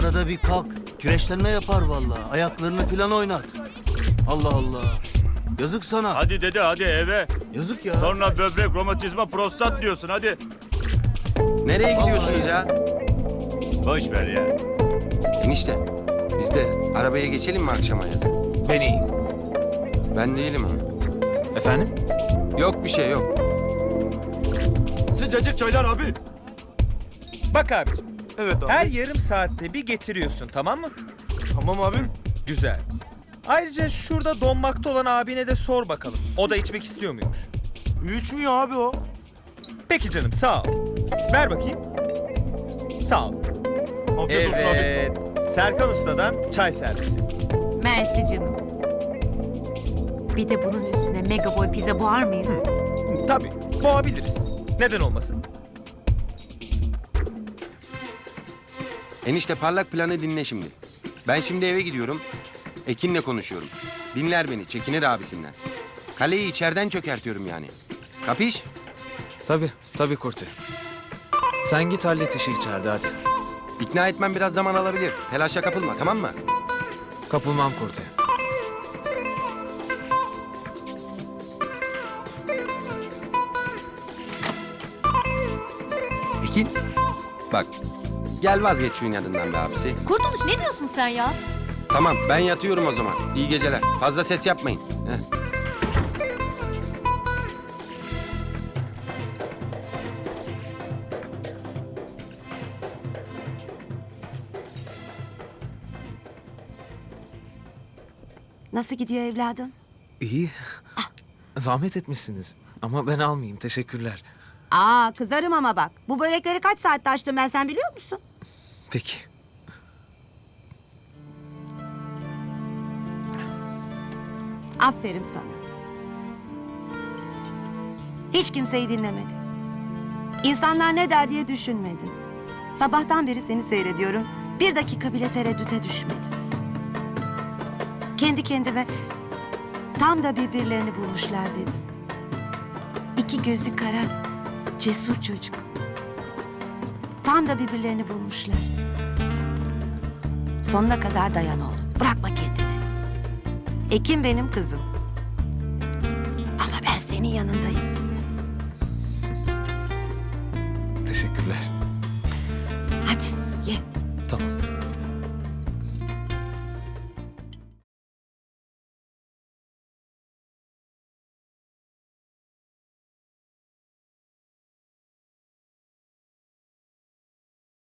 Arada bir kalk. Kireçlenme yapar vallahi. Ayaklarını filan oynat. Allah Allah. Yazık sana. Hadi dede hadi eve. Yazık ya. Sonra böbrek, romatizma, prostat diyorsun hadi. Nereye gidiyorsunuz ya? Boş ver ya. Enişte, biz de arabaya geçelim mi akşama yazın? Ben iyiyim. Ben değilim ama. Efendim? Yok bir şey yok. Sıcacık çaylar abi. Bak abicim, Evet abi. her yarım saatte bir getiriyorsun, tamam mı? Tamam abim. Güzel. Ayrıca şurada donmakta olan abine de sor bakalım. O da içmek istiyor muymuş? İçmiyor abi o. Peki canım, sağ ol. Ver bakayım. Sağ ol. Afiyet olsun abi. Evet. Serkan Usta'dan çay servisi. Mersi canım. Bir de bunun üstüne mega boy pizza boğar mıyız? Tabii, boğabiliriz. Neden olmasın? Enişte parlak planı dinle şimdi. Ben şimdi eve gidiyorum. Ekin'le konuşuyorum. Dinler beni, çekinir abisinden. Kaleyi içeriden çökertiyorum yani. Kapış? Tabii Kurti. Sen git hallet işi içeride hadi. İkna etmem biraz zaman alabilir. Telaşa kapılma, tamam mı? Kapılmam Kurti. Ekin, bak. Gel vazgeç şu inadından be abisi. Kurtuluş ne diyorsun sen ya? Tamam, ben yatıyorum o zaman. İyi geceler. Fazla ses yapmayın. Heh. Nasıl gidiyor evladım? İyi. Zahmet etmişsiniz. Ama ben almayayım. Teşekkürler. Aa kızarım ama bak. Bu börekleri kaç saatte açtım ben sen biliyor musun? Peki. Aferin sana. Hiç kimseyi dinlemedin. İnsanlar ne der diye düşünmedin. Sabahtan beri seni seyrediyorum. Bir dakika bile tereddüte düşmedin. Kendi kendime tam da birbirlerini bulmuşlar dedim. İki gözü kara, cesur çocuk. Tam da birbirlerini bulmuşlar. Sonuna kadar dayan oğlum. Bırakma kendini. Ekin benim kızım. Ama ben senin yanındayım.